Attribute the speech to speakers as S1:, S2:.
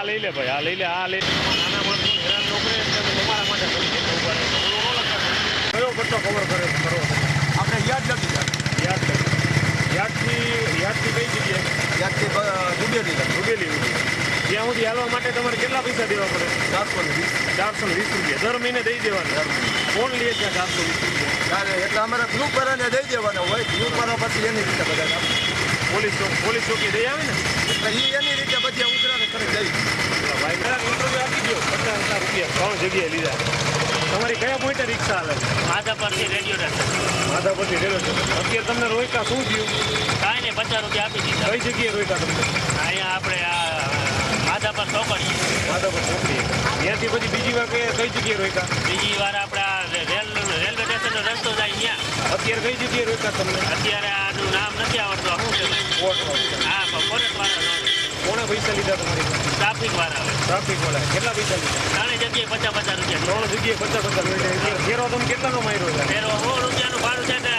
S1: આ લઈ લે ભાઈ, આ લઈ લે, આ લઈ લે. નાના માણસો હેરાન ન કરે એટલે અમે તમારા માટે કરી દઈએ. ઉભા રહે. કયો પટ્ટો કવર કરે કરો?
S2: આપણે યાદ નથી
S1: યાદથી કઈ જગ્યાએ?
S2: યાદથી ડૂબેલી
S1: જ્યાં સુધી હાલવા માટે તમારે કેટલા પૈસા દેવા પડે? 420 રૂપિયા દર મહિને દઈ દેવાના. કોણ લે છે 420 રૂપિયા?
S2: એટલે અમારે ગ્રુપ વાળાને દઈ દેવાના હોય. ગ્રુપ વાળા પછી એની રીતે બધા
S1: પોલીસ ચોકી દઈ આવે ને
S2: એટલે એની રીતે બધી ઉતરાને કરી દઈ.
S1: ભાઈ ઇન્ટરવ્યુ આપી દો. 50,000 રૂપિયા 3 જગ્યાએ લીધા. તમારી કયા પોઈન્ટે રિક્ષા હાલે?
S3: માધાપરથી રેડિયો
S1: માધાપરથી રેલો છે. અત્યારે તમને રોયકા શું થયું?
S3: કાંઈ નહીં 50 રૂપિયા આપી દીધા.
S1: કઈ જગ્યાએ રોયકા તમને?
S3: અહીંયા આપણે આ માધાપર ચોકડી.
S1: માધાપર ચોકડી. ત્યાંથી પછી બીજી વાર કઈ જગ્યાએ રોયકા?
S3: બીજી વાર આપણે આ રેલવે સ્ટેશનનો રસ્તો જાય ત્યાં.
S1: અત્યારે કઈ જગ્યાએ રોયકા તમને?
S3: અત્યારે આનું નામ નથી આવડતું. શું છે? હા ફોરેસ્ટ વાળા.
S1: કોણે પૈસા લીધા તમારી?
S3: ટ્રાફિક વાળા.
S1: ટ્રાફિક વાળા કેટલા પૈસા લીધા?
S3: ત્રણેય જગ્યાએ 50 રૂપિયા.
S1: 3 જગ્યાએ 50 રૂપિયા. ફેરો તમે કેટલાનો માર્યો?
S3: ફેરો 100 રૂપિયાનું ભાડું છે ને